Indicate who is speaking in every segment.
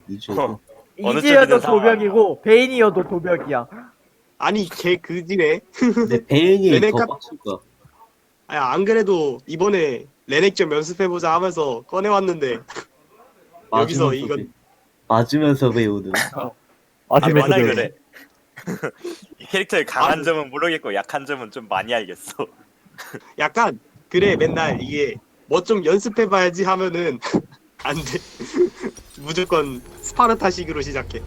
Speaker 1: 이주에도.
Speaker 2: 어느
Speaker 3: 이지여도
Speaker 2: 쪽이든 상관.
Speaker 3: 도벽이고 베인이어도 도벽이야.
Speaker 4: 아니 걔 그지네.
Speaker 1: 근데 베인이
Speaker 4: 레넥
Speaker 1: 더
Speaker 4: 카-
Speaker 1: 빡칠 거야.
Speaker 4: 아니 안 그래도 이번에 레넥 좀 연습해보자 하면서 꺼내왔는데 여기서
Speaker 1: 맞으면서
Speaker 4: 이건-
Speaker 1: 배- 맞으면서 배우는.
Speaker 4: 아니,
Speaker 2: 워낙
Speaker 4: 만약에-
Speaker 2: 그래. 이 캐릭터의 강한
Speaker 4: 아니.
Speaker 2: 점은 모르겠고 약한 점은 좀 많이 알겠어.
Speaker 4: 약간 그래 맨날 이게 뭐 좀 연습해봐야지 하면은 안 돼. 무조건 스파르타식으로 시작해.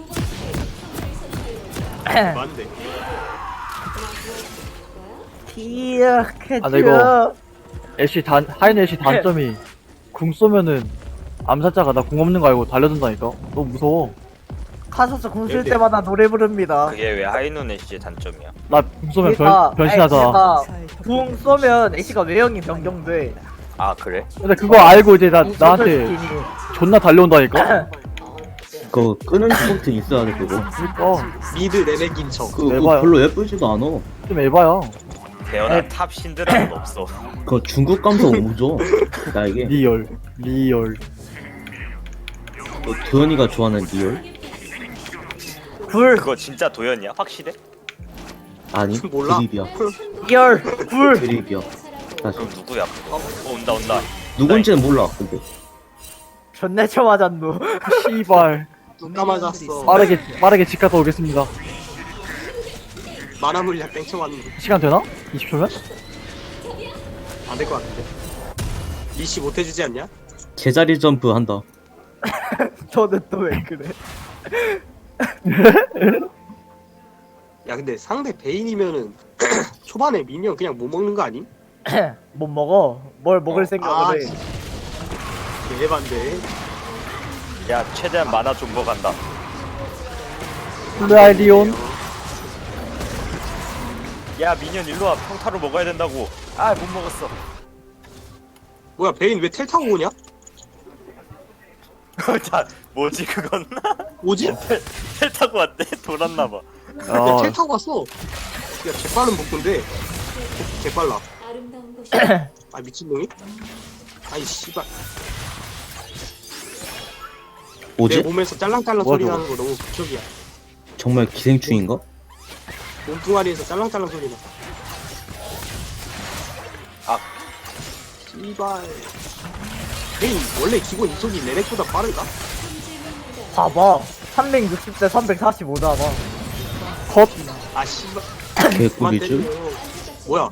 Speaker 4: 안 돼.
Speaker 3: 기억해줘.
Speaker 5: 아, 나 이거- 하인 애쉬 단점이 궁 쏘면은 암살자가 나 궁 없는 거 알고 달려든다니까. 너무 무서워.
Speaker 3: 카서스 궁쓸
Speaker 4: 네.
Speaker 3: 때마다 노래 부릅니다.
Speaker 2: 그게 왜 하이눈 애쉬의 단점이야?
Speaker 5: 나 궁 쏘면
Speaker 3: 그러니까
Speaker 5: 변신하잖아.
Speaker 3: 궁 쏘면 애쉬가 외형이 변경돼.
Speaker 2: 아 그래?
Speaker 5: 근데 그거 알고 이제
Speaker 3: 궁
Speaker 5: 나한테
Speaker 3: 쏘는 스킨이.
Speaker 5: 존나 달려온다니까.
Speaker 1: 그거 끄는 포인트 있어야 돼 그거.
Speaker 5: 그러니까
Speaker 4: 미드 레넥인 척.
Speaker 1: 그거
Speaker 5: 에바야.
Speaker 1: 별로 예쁘지도 않아.
Speaker 5: 좀 에바야.
Speaker 2: 태어난 탑 신드라는 없어.
Speaker 1: 그거 중국 감성 오죠. 나 이게
Speaker 5: 리얼.
Speaker 1: 도현이가 좋아하는 리얼?
Speaker 3: 불,
Speaker 2: 그거 진짜 도연이야? 확실해?
Speaker 1: 아니
Speaker 4: 몰라.
Speaker 1: 드립이야.
Speaker 3: 열, 불.
Speaker 1: 드립이야. 사실
Speaker 2: 그럼 누구야 그거? 온다.
Speaker 1: 누군지는 몰라. 근데
Speaker 3: 존내 쳐 맞았노.
Speaker 5: 씨발.
Speaker 4: 눈 맞았어.
Speaker 5: 빠르게 집 갔다 오겠습니다.
Speaker 4: 만화 물약 땡쳐왔는데
Speaker 5: 시간 되나? 20초면?
Speaker 4: 안 될 것 같은데. 리시 못해주지 않냐?
Speaker 1: 제자리 점프 한다.
Speaker 3: 저는 또 왜 그래?
Speaker 4: 야 근데 상대 베인이면은 초반에 미니언 그냥 못 먹는 거 아님?
Speaker 3: 못 먹어. 뭘 먹을
Speaker 4: 아,
Speaker 3: 생각을 해.
Speaker 4: 대반데.
Speaker 2: 야 최대한 만화 좀 먹간다.
Speaker 5: 플라이리온.
Speaker 2: 야 미니언 일로와 평타로 먹어야 된다고. 아 못 먹었어.
Speaker 4: 뭐야 베인 왜 텔 타고 오냐?
Speaker 2: 자 뭐지 그건?
Speaker 4: 뭐지?
Speaker 2: 텔 타고 왔대? 돌았나봐.
Speaker 4: 야, 텔 타고 왔어. 야 개빠른 복근데. 개빨라. 아 미친놈이? 아이 씨발. 내
Speaker 1: 뭐지?
Speaker 4: 몸에서 짤랑짤랑
Speaker 5: 뭐야,
Speaker 4: 소리
Speaker 5: 저거?
Speaker 4: 나는 거 너무 극적이야.
Speaker 1: 정말 기생충인가?
Speaker 4: 몸뚱아리에서 짤랑짤랑 소리 나.
Speaker 2: 아.
Speaker 4: 씨발. 베인 원래 기본 이속이 레넥보다 빠른가?
Speaker 3: 봐봐. 360대 345다 봐.
Speaker 5: 컷.
Speaker 4: 아 씨발. 그만
Speaker 1: 개꿀이지.
Speaker 4: 때려. 뭐야?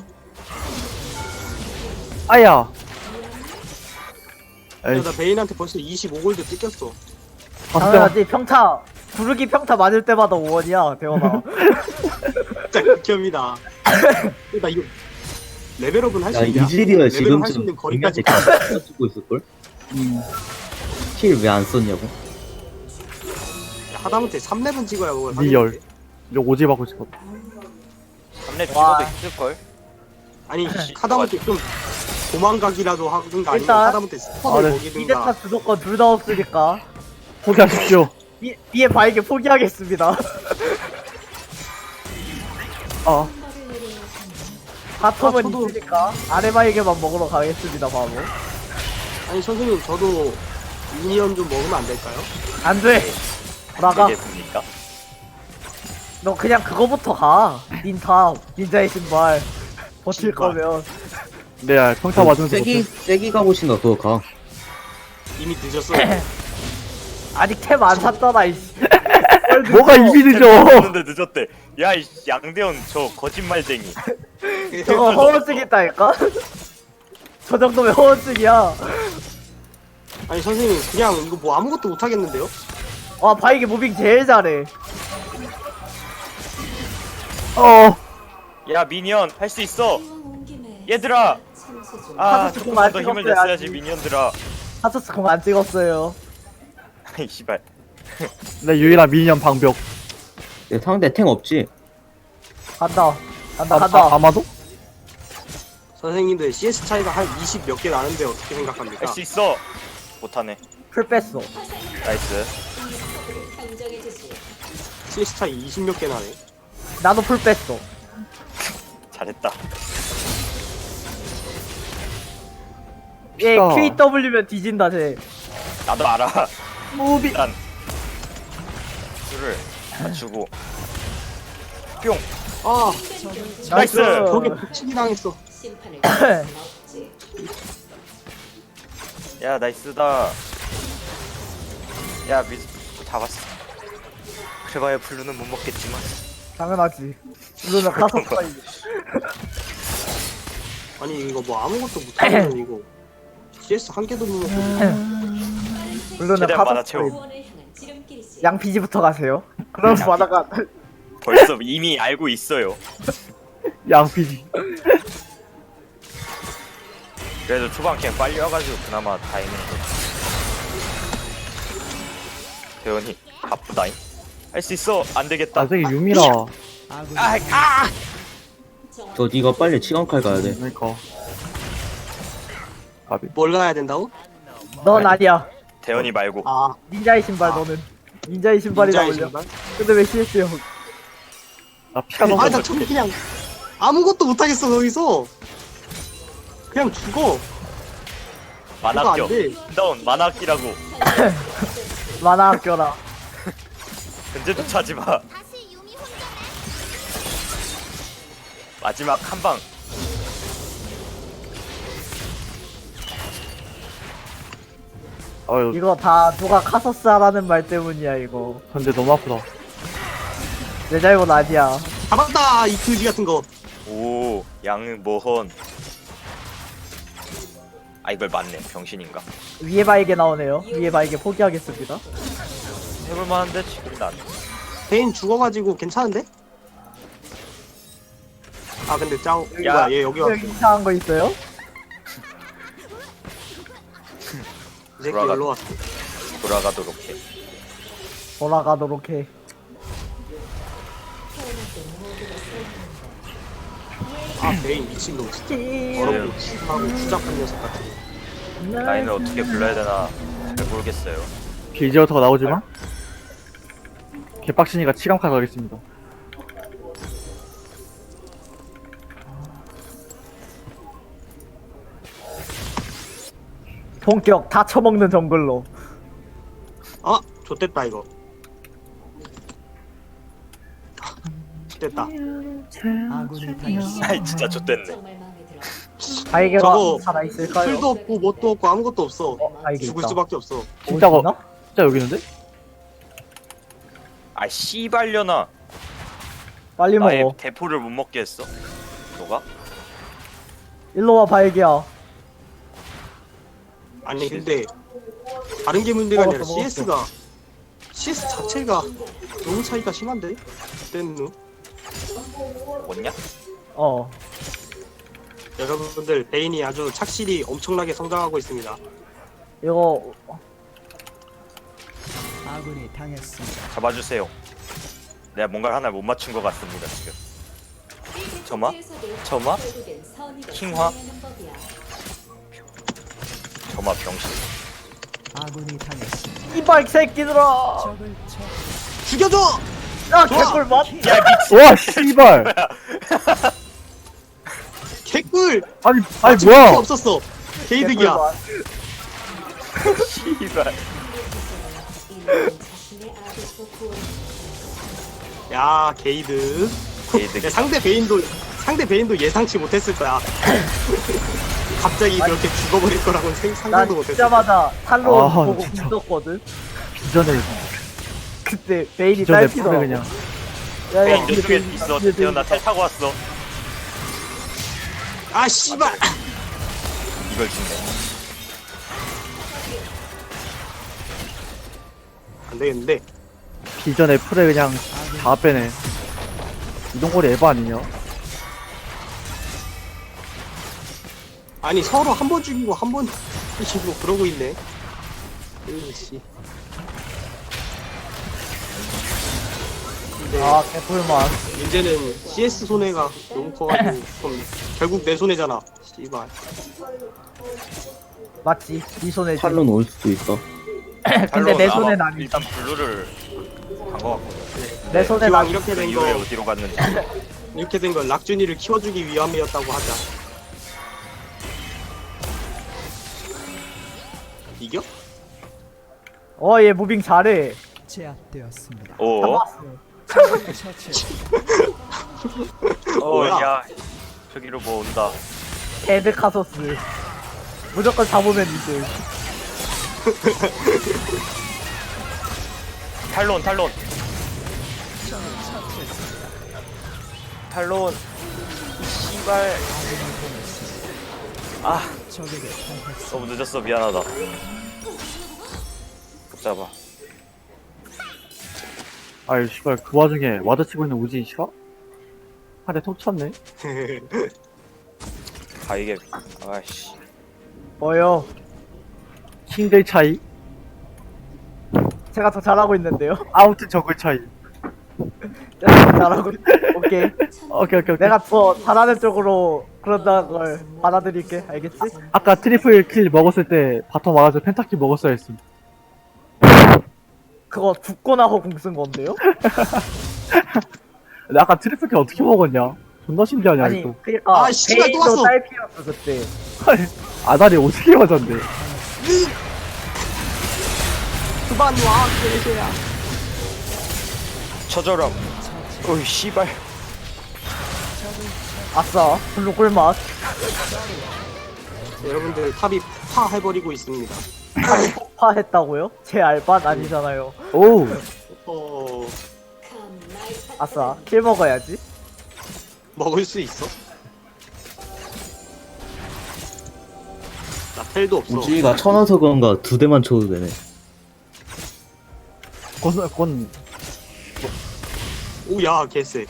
Speaker 5: 아야.
Speaker 4: 야,
Speaker 5: 에이,
Speaker 4: 나 베인한테 벌써 25골드 뜯겼어.
Speaker 5: 봤을 때만
Speaker 3: 당연하지. 평타. 구르기 평타 맞을 때마다 5원이야. 대원아.
Speaker 4: 진짜 극혐이다. 나 이거 레벨업은 할
Speaker 1: 야
Speaker 4: 수 있냐?
Speaker 1: 이즈리얼
Speaker 4: 레벨업 할수
Speaker 1: 지금쯤
Speaker 4: 있는 거리까지
Speaker 1: 거리까지 찍고 있을걸? 킬 왜 안 썼냐고?
Speaker 4: 하다못해 3렙은 찍어야 뭐
Speaker 5: 리얼. 이거 오지 받고 싶어.
Speaker 2: 3렙
Speaker 3: 와.
Speaker 2: 찍어도 있을걸?
Speaker 4: 아니 하다못해 좀 도망가기라도 하든가 아니면
Speaker 3: 일단-
Speaker 4: 하다못해 스턴을
Speaker 5: 아, 네.
Speaker 3: 이데타
Speaker 4: 먹이든가.
Speaker 3: 주도권 둘 다 없으니까.
Speaker 5: 포기하십시오.
Speaker 3: 위에 바에게 포기하겠습니다.
Speaker 5: 아,
Speaker 3: 바텀은
Speaker 4: 저도-
Speaker 3: 있으니까 아래 바에게만 먹으러 가겠습니다. 바보.
Speaker 4: 아니 선생님 저도 미니언 좀 먹으면 안 될까요?
Speaker 3: 안 돼. 나가.
Speaker 2: 되겠습니까?
Speaker 3: 너 그냥 그거부터 가. 닌탑. 닌자의 신발. 버틸
Speaker 4: 신발.
Speaker 3: 거면.
Speaker 5: 네, 평타 맞으면서
Speaker 1: 세기 가고 싶나 그거 가.
Speaker 4: 이미 늦었어.
Speaker 3: 아직 템 안 샀잖아. 이씨.
Speaker 5: 뭐가 입이 늦어.
Speaker 2: 늦었는데 늦었대. 야이 양대원 저 거짓말쟁이.
Speaker 3: 저거 허언증이다니까? 저 정도면 허언증이야.
Speaker 4: 아니 선생님 그냥 이거 뭐 아무것도 못 하겠는데요?
Speaker 3: 와, 바이게 무빙 제일 잘해.
Speaker 2: 야 미니언 할 수 있어. 얘들아. 아
Speaker 3: 하드스
Speaker 2: 조금
Speaker 3: 공 안
Speaker 2: 더 힘을
Speaker 3: 찍었어야지.
Speaker 2: 냈어야지 미니언들아.
Speaker 3: 하스스 공 안 찍었어요.
Speaker 2: 아이 씨발.
Speaker 5: 내 유일한 미니언 방벽.
Speaker 1: 내 상대 탱 없지?
Speaker 3: 간다. 간다.
Speaker 5: 아마도?
Speaker 4: 선생님들 CS 차이가 한 20 몇 개 나는데 어떻게 생각합니까?
Speaker 2: 할 수 있어. 못하네.
Speaker 3: 풀 뺐어.
Speaker 2: 나이스.
Speaker 4: CS 차이 20 몇 개 나네.
Speaker 3: 나도 풀 뺐어.
Speaker 2: 잘했다.
Speaker 3: 얘
Speaker 5: 어.
Speaker 3: QW면 뒤진다, 쟤.
Speaker 2: 나도 알아.
Speaker 3: 무빙.
Speaker 2: 일단 수를 맞추고 뿅.
Speaker 4: 아
Speaker 2: 나이스.
Speaker 4: 저게 붙이기 당했어.
Speaker 2: 야 나이스다. 야 미스 잡았어. 그래봐야 블루는 못 먹겠지만.
Speaker 3: 당연하지. 이거는 카서스가
Speaker 4: 아니 이거 뭐 아무것도 못하면 이거 CS 한 개도 못 먹고.
Speaker 3: 물론은
Speaker 2: 최대한 많아
Speaker 3: 카서스가
Speaker 2: 채워.
Speaker 3: 양피지부터 가세요. 그럼 바다가
Speaker 2: 벌써 이미 알고 있어요.
Speaker 5: 양피지.
Speaker 2: 그래도 초반 그냥 빨리 와가지고 그나마 다행인 거. 대원이 바쁘다잉. 할 수 있어. 안 되겠다.
Speaker 5: 아 저기 유미라.
Speaker 1: 저 니가 빨리 치간칼 가야 돼.
Speaker 5: 그러니까. 가비.
Speaker 4: 뭘 가야 된다고?
Speaker 3: 넌 아니야.
Speaker 2: 대원이 말고.
Speaker 4: 아
Speaker 3: 닌자의 신발 너는. 닌자의 신발이
Speaker 4: 닌자의
Speaker 3: 나올려.
Speaker 4: 신발?
Speaker 3: 근데 왜 CS요?
Speaker 5: 나 피가 너무
Speaker 4: 아나 저기 그냥 아무것도 못하겠어 거기서. 그냥 죽어. 그거
Speaker 2: 만학교.
Speaker 4: 안 돼.
Speaker 2: 다운 만학기라고.
Speaker 3: 만화 학교라.
Speaker 2: 근데도 차지 마. 마지막 한 방.
Speaker 5: 아유
Speaker 3: 이거 다 누가 카서스 하라는 말 때문이야 이거.
Speaker 5: 근데 너무 아프다.
Speaker 3: 내 잘못 아니야.
Speaker 4: 잡았다 이 그지 같은 거.
Speaker 2: 오 양모헌. 아 이걸 맞네. 병신인가?
Speaker 3: 위에 바에게 나오네요. 위에 바에게 포기하겠습니다.
Speaker 2: 해볼만한데 지금 난.
Speaker 4: 베인 죽어가지고 괜찮은데? 아 근데 짱
Speaker 2: 야.
Speaker 4: 뭐야 얘 여기 왔어.
Speaker 3: 여기 이상한 거 있어요?
Speaker 4: 이 새끼
Speaker 2: 돌아가.
Speaker 4: 여기로 왔어.
Speaker 2: 돌아가도록 해.
Speaker 3: 돌아가도록 해.
Speaker 4: 아 베인 미친놈 진짜 더럽고 추하고 추잡한 녀석 같은 거.
Speaker 2: 라인을 어떻게 불러야 되나 잘 모르겠어요.
Speaker 5: 빌지어터가 나오지만 개빡치니까 치감칼 가겠습니다.
Speaker 3: 본격 다 처먹는 정글로.
Speaker 4: 아 좋됐다 이거. 됐다.
Speaker 2: 아이 진짜 좆됐네.
Speaker 3: 바에게가
Speaker 4: 저거
Speaker 3: 살아있을까요?
Speaker 4: 풀도 없고 뭣도 없고 아무것도 없어.
Speaker 3: 바에게
Speaker 4: 죽을
Speaker 3: 있다.
Speaker 4: 수밖에 없어.
Speaker 5: 진짜
Speaker 3: 어디 있나?
Speaker 5: 진짜 여기 있는데?
Speaker 2: 아 씨발려나.
Speaker 3: 빨리
Speaker 2: 나의
Speaker 3: 먹어.
Speaker 2: 대포를 못 먹게 했어. 너가?
Speaker 3: 일로와 바에게야.
Speaker 4: 아니 근데 다른 게 문제가 아니라
Speaker 3: 먹었어.
Speaker 4: CS가 CS 자체가 너무 차이가 심한데? 그때는
Speaker 2: 뭐냐?
Speaker 3: 어.
Speaker 4: 여러분들 베인이 아주 착실히 엄청나게 성장하고 있습니다.
Speaker 3: 이거
Speaker 2: 잡아주세요. 내가 뭔가를 하나 못 맞춘 것 같습니다 지금. 점화? 점화? 킹화? 점화 병신.
Speaker 3: 이발 새끼들아.
Speaker 4: 죽여줘!
Speaker 3: 야 개꿀 맛.
Speaker 2: 야 미친.
Speaker 5: 와 씨발.
Speaker 4: 개꿀!
Speaker 5: 아니
Speaker 4: 죽을 게
Speaker 5: 뭐야?
Speaker 4: 없었어. 게이득이야.
Speaker 2: 씨발.
Speaker 4: 야 게이드.
Speaker 2: 개이득.
Speaker 4: 야, 상대 베인도 예상치 못했을 거야. 갑자기 그렇게 죽어버릴 거라고는
Speaker 3: 난
Speaker 4: 상상도 못했어.
Speaker 3: 진짜마자 탈론
Speaker 5: 아,
Speaker 3: 보고
Speaker 5: 진짜.
Speaker 3: 있었거든.
Speaker 5: 비전을
Speaker 3: 그때 베일이
Speaker 5: 비전을
Speaker 3: 딸피더라고.
Speaker 5: 풀에 그냥.
Speaker 2: 베인 이쪽에 있어. 태어나 텔 타고 왔어.
Speaker 4: 아 씨발!
Speaker 2: 이걸 죽네.
Speaker 4: 안 되겠는데.
Speaker 5: 비전의 풀에 그냥 다 빼네. 이동거리 에바 아니냐?
Speaker 4: 아니 서로 한 번 죽이고 한 번 죽이고 그러고 있네. 으이씨. 근데
Speaker 3: 아 개꿀 맛.
Speaker 4: 문제는 CS 손해가 너무 커가지고 그럼 결국 내 손해잖아. 씨발.
Speaker 3: 맞지? 네 손에 쥐.
Speaker 1: 탈론 올 수도 있어.
Speaker 3: 근데 내
Speaker 2: 탈론
Speaker 3: 손엔
Speaker 2: 아마
Speaker 3: 아니.
Speaker 2: 일단 블루를 간거 같거든.
Speaker 3: 내 손엔
Speaker 4: 기왕
Speaker 3: 아니.
Speaker 4: 이렇게
Speaker 2: 그
Speaker 4: 된
Speaker 2: 이후에
Speaker 4: 거
Speaker 2: 어디로 갔는지.
Speaker 4: 이렇게 된 걸 락준이를 키워주기 위함이었다고 하자. 이겨?
Speaker 3: 어얘 무빙 잘해.
Speaker 6: 제압되었습니다.
Speaker 2: 오.
Speaker 3: 잡았어.
Speaker 4: 뭐야?
Speaker 2: 야. 저기로 뭐 온다.
Speaker 3: 헤드 카소스. 무조건 잡으면 이제.
Speaker 2: 탈론. 탈론. 씨발. 아,
Speaker 6: 적에게 당했습니다.
Speaker 2: 너무 늦었어. 미안하다. 못 잡아.
Speaker 5: 아이 씨발 그 와중에 와드 치고 있는 우진 씨가? 한대 톡 쳤네.
Speaker 2: 아 이게 아이씨.
Speaker 3: 뭐요?
Speaker 5: 킹들 차이.
Speaker 3: 제가 더 잘하고 있는데요.
Speaker 5: 아무튼 저글 차이.
Speaker 3: 제가 더 잘하고 오케이.
Speaker 5: 오케이.
Speaker 3: 내가 더 잘하는 쪽으로 그런다는 걸 받아들일게. 알겠지?
Speaker 5: 아까 트리플 킬 먹었을 때 바텀 와가지고 펜타킬 먹었어야 했음.
Speaker 3: 그거 죽고 나서 공 쓴 건데요?
Speaker 5: 근데 아까 트리플 킬 어떻게 먹었냐? 존나 신기하냐
Speaker 3: 아니
Speaker 5: 이거.
Speaker 3: 그니까
Speaker 4: 아, 씨발, 또
Speaker 3: 베인도
Speaker 4: 왔어.
Speaker 3: 딸피였어 그때.
Speaker 5: 아다리 어떻게 맞았네.
Speaker 4: 그만 와 개새야.
Speaker 2: 쳐져라. 어이 씨발.
Speaker 3: 아싸 블루 꿀맛.
Speaker 4: 여러분들 탑이 파해버리고 있습니다.
Speaker 3: 폭파했다고요? 제 알바 아니잖아요.
Speaker 5: 오.
Speaker 4: 어
Speaker 3: 아싸 킬 먹어야지.
Speaker 4: 먹을 수 있어? 나 텔도 없어.
Speaker 1: 우지가 천원서 그런가 2대만 쳐도 되네.
Speaker 5: 건
Speaker 4: 오야 개쎄.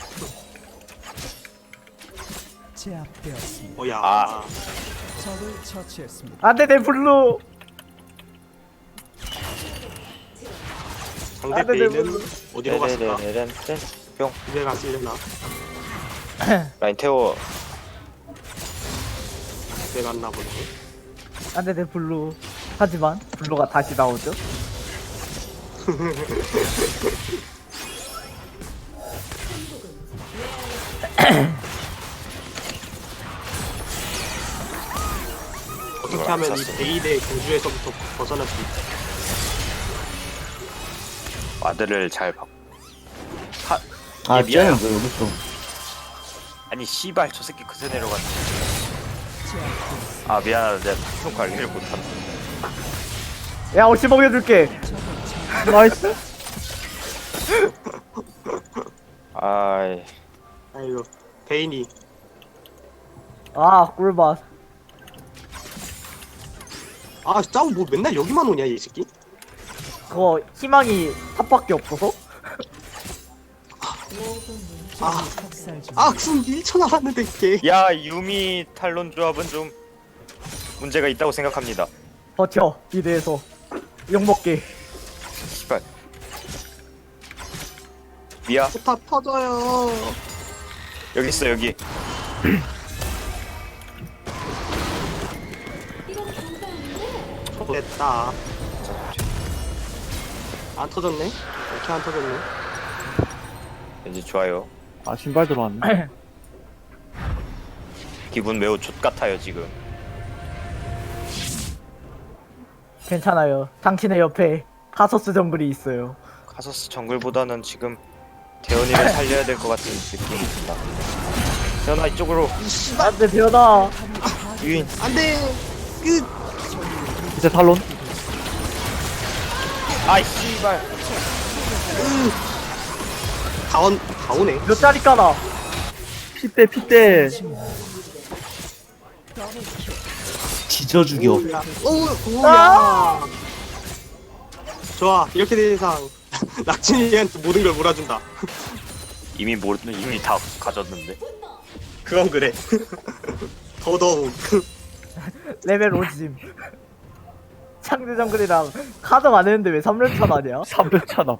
Speaker 6: 제압되었습니다.
Speaker 4: 어야.
Speaker 2: 아.
Speaker 6: 적을 처치했습니다.
Speaker 3: 안돼 내 블루.
Speaker 4: 상대
Speaker 3: 아, 네,
Speaker 4: 베인은
Speaker 3: 네,
Speaker 4: 어디로 갔을까?
Speaker 2: 떼떼떼떼. 뿅.
Speaker 4: 집에 갔으려나?
Speaker 2: 라인 태워.
Speaker 4: 집에 갔나 보네.
Speaker 3: 안돼 내 블루. 하지만 블루가 다시 나오죠.
Speaker 4: 어떻게 하면 이 베인의 공주에서부터 벗어날 수 있지?
Speaker 2: 와드를 잘 박.
Speaker 1: 아,
Speaker 2: 얘 미안해.
Speaker 1: 쟤는 왜 여기 있어?
Speaker 2: 아니 씨발 저 새끼 그새 내려갔네. 아 미안하다. 내가 좀 관리를 못한다.
Speaker 3: 야 옷이 먹여줄게.
Speaker 5: 나이스.
Speaker 2: 아이.
Speaker 4: 아이고 베인이
Speaker 3: 아 꿀맛.
Speaker 4: 아 짜고 뭐 맨날 여기만 오냐 이 새끼?
Speaker 3: 그거 희망이 탑밖에 없어서.
Speaker 4: 아,
Speaker 6: 학살 중.
Speaker 4: 궁 1초 남았는데 개.
Speaker 2: 야 유미 탈론 조합은 좀 문제가 있다고 생각합니다.
Speaker 3: 버텨 미드에서 욕먹게.
Speaker 2: 씨발. 미야
Speaker 4: 포탑 터져요.
Speaker 2: 여기 있어 여기.
Speaker 4: 됐다. 안 터졌네? 이렇게 안 터졌네?
Speaker 2: 왠지 좋아요.
Speaker 5: 아 신발 들어왔네.
Speaker 2: 기분 매우 좆 같아요 지금.
Speaker 3: 괜찮아요. 당신의 옆에 카소스 정글이 있어요.
Speaker 2: 카서스 정글보다는 지금 대현이를 살려야 될 것 같은 느낌이 든다. 대현아 이쪽으로.
Speaker 3: 안돼 변아.
Speaker 2: 유인.
Speaker 4: 안돼. 끝.
Speaker 5: 이제 탈론.
Speaker 2: 아이 씨발.
Speaker 4: 다 오네.
Speaker 3: 몇 자리 까나?
Speaker 5: 피대.
Speaker 1: 지져 죽여.
Speaker 4: 오야. 좋아. 이렇게 된 이상 낙진이한테 모든 걸 몰아준다.
Speaker 2: 이미 다 가졌는데.
Speaker 4: 그건 그래. 더더욱.
Speaker 3: 레벨 50. 상대 정글이랑 카정 안 했는데 왜 3連차 나냐?
Speaker 5: 300 차나.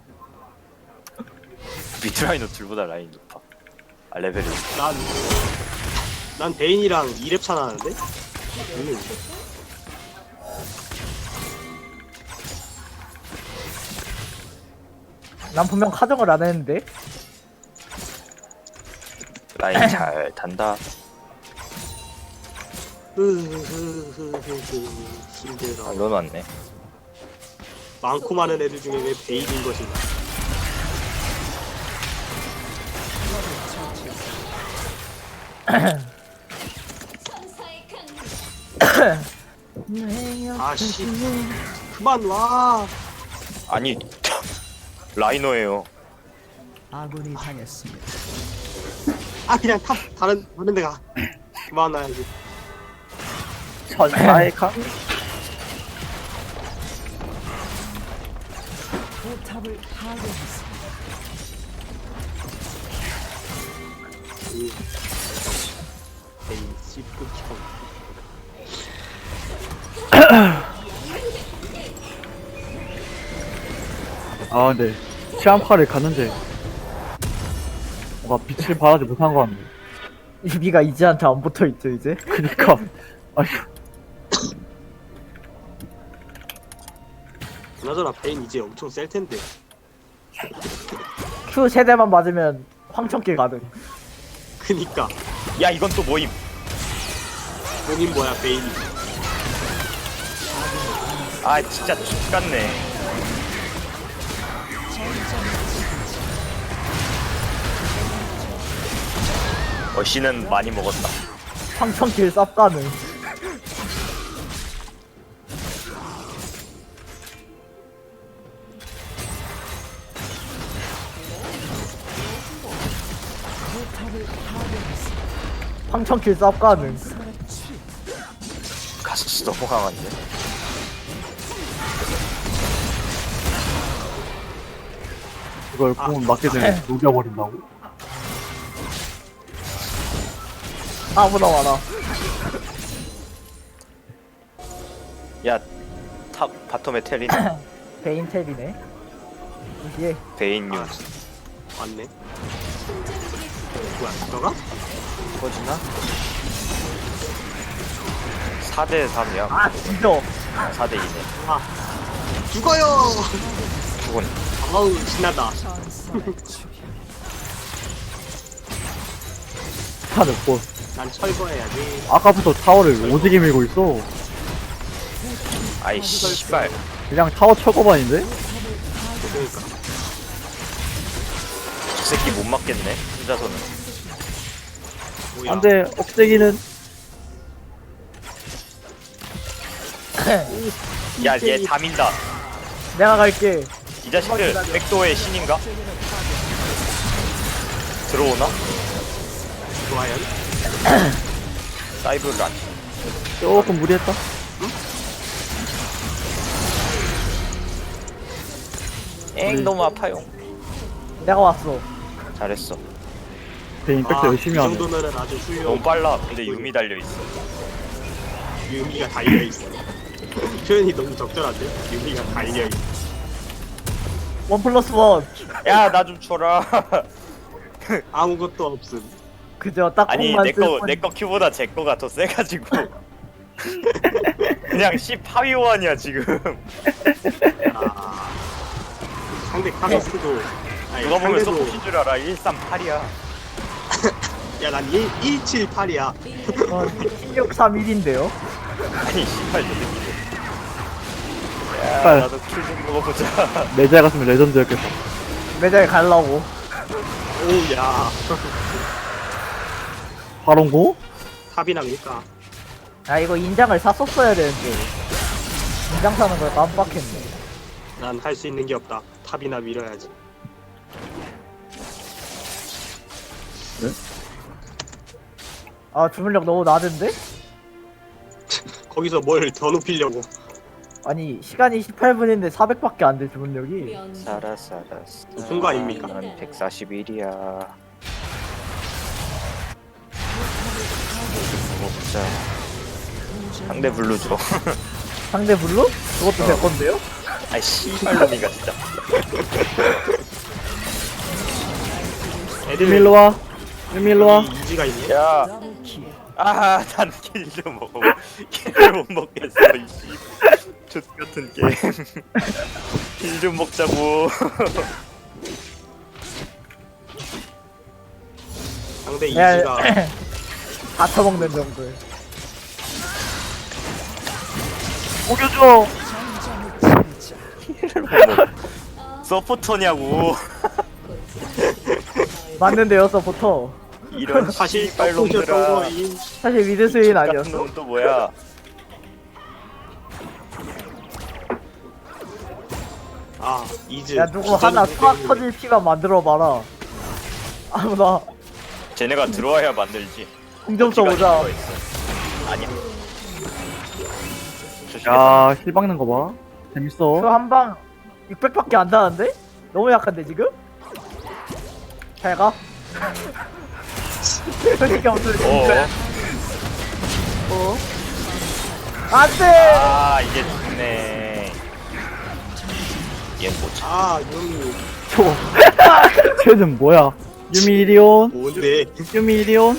Speaker 2: 미드라인 노틀보다 라인 높아. 아 레벨이.
Speaker 4: 난 베인이랑 2렙 차 나는데?
Speaker 3: 난 분명 카정을 안 했는데.
Speaker 2: 라인 잘 단다.
Speaker 4: 힘들어.
Speaker 2: 아 넌 왔네.
Speaker 4: 많고 많은 애들 중에 왜 베일인 것인가? 아씨 그만 와.
Speaker 2: 아니 라이너예요.
Speaker 6: 아군이 당했습니다.
Speaker 4: 아 그냥 다른 데가 그만 와야지.
Speaker 5: 천사의 강.
Speaker 6: 포탑을 파괴했습니다.
Speaker 4: 베일 씹극형.
Speaker 5: 아 근데 시안파를 갔는데 뭔가 빛을 발하지 못한 것 같네.
Speaker 3: 유비가 이지한테 안 붙어있죠 이제?
Speaker 5: 그니까 아휴.
Speaker 4: 그나저나 베인 이제 엄청 셀 텐데.
Speaker 3: Q 세대만 맞으면 황천길 가능.
Speaker 4: 그니까
Speaker 2: 야 이건 또 모임.
Speaker 4: 본인 뭐야 베인이.
Speaker 2: 아 진짜 X같네. 어씨는 많이 먹었다.
Speaker 3: 황천길 쌉 가능. 황천길 쌉 가능.
Speaker 2: 가스 너무 강한데.
Speaker 5: 이걸 공을 맞게 되면 녹여버린다고?
Speaker 3: 아무나 와라.
Speaker 2: 야 탑 바텀에 테린
Speaker 3: 베인 탭이네. 이게
Speaker 2: 베인
Speaker 4: 아,
Speaker 2: 뉴스
Speaker 4: 왔네. 뭐야 너가?
Speaker 2: 터지나? 4대 3이야.
Speaker 3: 아 진짜.
Speaker 2: 4대 2네.
Speaker 4: 아 죽어요.
Speaker 2: 죽은.
Speaker 4: 아우 신나다.
Speaker 5: 차는 뭐
Speaker 4: 난 철거해야지.
Speaker 5: 아까부터 타워를 오지게 밀고 있어.
Speaker 2: 아이 씨발.
Speaker 5: 그냥 타워 철거반인데?
Speaker 4: 그러니까
Speaker 2: 저 새끼 못 맞겠네. 혼자서는.
Speaker 4: 뭐야.
Speaker 5: 안돼 억제기는
Speaker 2: 야 얘 다 민다.
Speaker 3: 내가 갈게.
Speaker 2: 이 자식들 백도어의 신인가? 들어오나?
Speaker 4: 좋아요.
Speaker 2: 사이브를 안 쳐.
Speaker 5: 조금 무리했다.
Speaker 2: 엥 너무 아파요.
Speaker 3: 내가 왔어.
Speaker 2: 잘했어.
Speaker 5: 베인 백도 열심히
Speaker 4: 이
Speaker 5: 하네.
Speaker 4: 정도면은 아주
Speaker 2: 너무
Speaker 4: 훌륭.
Speaker 2: 빨라. 근데 유미 달려 있어.
Speaker 4: 유미가 달려 있어. 표현이 너무 적절한데? 유미가 달려 있어.
Speaker 3: 1+1.
Speaker 2: 야 나 좀 쳐라.
Speaker 4: 아무것도 없음.
Speaker 3: 그저 딱
Speaker 2: 아니
Speaker 3: 공만
Speaker 2: 내거 큐보다 제 거가 더 세가지고. 그냥 C 파위원이야 지금.
Speaker 4: 아, 상대 카서스도. 아니,
Speaker 2: 누가 보면
Speaker 4: 상대도.
Speaker 2: 서포신 줄 알아. 138이야.
Speaker 4: 야난 178이야.
Speaker 3: 1631인데요.
Speaker 2: 아니 씨발 저 새끼들. 야
Speaker 5: 빨리.
Speaker 2: 나도 킬 좀 먹어보자.
Speaker 5: 내자 같으면 레전드였겠다.
Speaker 3: 매장에 가려고.
Speaker 4: 오야.
Speaker 5: 바론고?
Speaker 4: 탑이나 밀까?
Speaker 3: 아 이거 인장을 샀었어야 되는데. 인장 사는 걸 깜빡했네.
Speaker 4: 난 할 수 있는 게 없다. 탑이나 밀어야지.
Speaker 3: 아 주문력 너무 낮은데?
Speaker 4: 거기서 뭘 더 높이려고.
Speaker 3: 아니 시간이 18분인데 400밖에 안 돼 주문력이.
Speaker 2: 살았어.
Speaker 4: 무슨 거 아닙니까?
Speaker 2: 난 141이야. 먹자. 상대 블루 줘.
Speaker 3: 상대 블루? 그것도 될 건데요?
Speaker 2: 아이 씨발놈이가 진짜.
Speaker 4: 애들
Speaker 5: 일로 와. 일로 와.
Speaker 4: 이지가 있네.
Speaker 2: 야.
Speaker 6: 더블킬.
Speaker 2: 아, 난 킬 좀 먹어. 킬을 못 먹겠어, 이씨. 족 같은 게임. 킬 좀 먹자고.
Speaker 4: 상대
Speaker 3: 야,
Speaker 4: 이지가
Speaker 3: 다 처먹는 정도.
Speaker 5: 먹여줘.
Speaker 2: 킬을 못 먹어. 서포터냐고.
Speaker 3: 맞는데요 서포터.
Speaker 2: 이런
Speaker 4: 사실
Speaker 2: 씨발놈들아.
Speaker 4: 떡국이었던 거임.
Speaker 3: 사실 미드 스윈
Speaker 2: 같은
Speaker 3: 아니었어?
Speaker 2: 놈은 또 뭐야?
Speaker 4: 아 이즈.
Speaker 3: 야 누구 하나 팍 터질 피만 만들어봐라. 아무나
Speaker 2: 쟤네가 들어와야 만들지.
Speaker 3: 공점
Speaker 2: 어디가
Speaker 3: 써보자.
Speaker 2: 들어와 있어. 아니야.
Speaker 5: 야, 힐 박는 거 봐. 재밌어.
Speaker 3: 그 한방 600밖에 안 나는데? 너무 약한데 지금? 잘 가. 솔직히 없을 때. 어? 안돼.
Speaker 2: 아 이게 좋네. 얘는 못 참.
Speaker 4: 아 유미.
Speaker 5: 저. 쟤는 뭐야? 유미 이리온?
Speaker 4: 뭔데?
Speaker 5: 유미 이리온?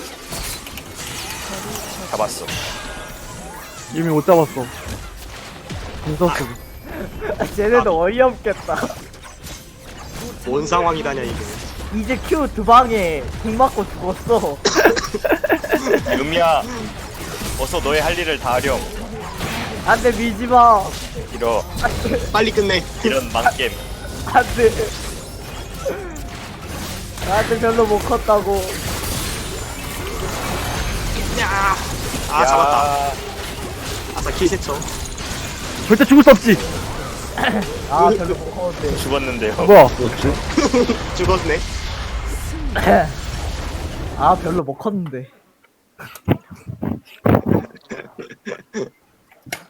Speaker 2: 잡았어.
Speaker 5: 유미 못 잡았어. 무섭어.
Speaker 3: 쟤네도 어이없겠다.
Speaker 4: 뭔 상황이다냐 이게.
Speaker 3: 이제 Q 두 방에 공 맞고 죽었어.
Speaker 2: 유미야, 어서 너의 할 일을 다 하렴.
Speaker 3: 안돼 미지마.
Speaker 2: 이러
Speaker 4: 빨리 끝내.
Speaker 2: 이런 망겜.
Speaker 3: 안돼. 나한테 별로 못 컸다고.
Speaker 4: 야. 아 잡았다. 아싸 킬세쳐.
Speaker 5: 절대 죽을 수 없지!
Speaker 3: 아 별로 못 컸는데.
Speaker 2: 죽었는데요.
Speaker 5: 뭐야?
Speaker 1: 그렇지.
Speaker 4: 죽었네.
Speaker 3: 아 별로 못 컸는데.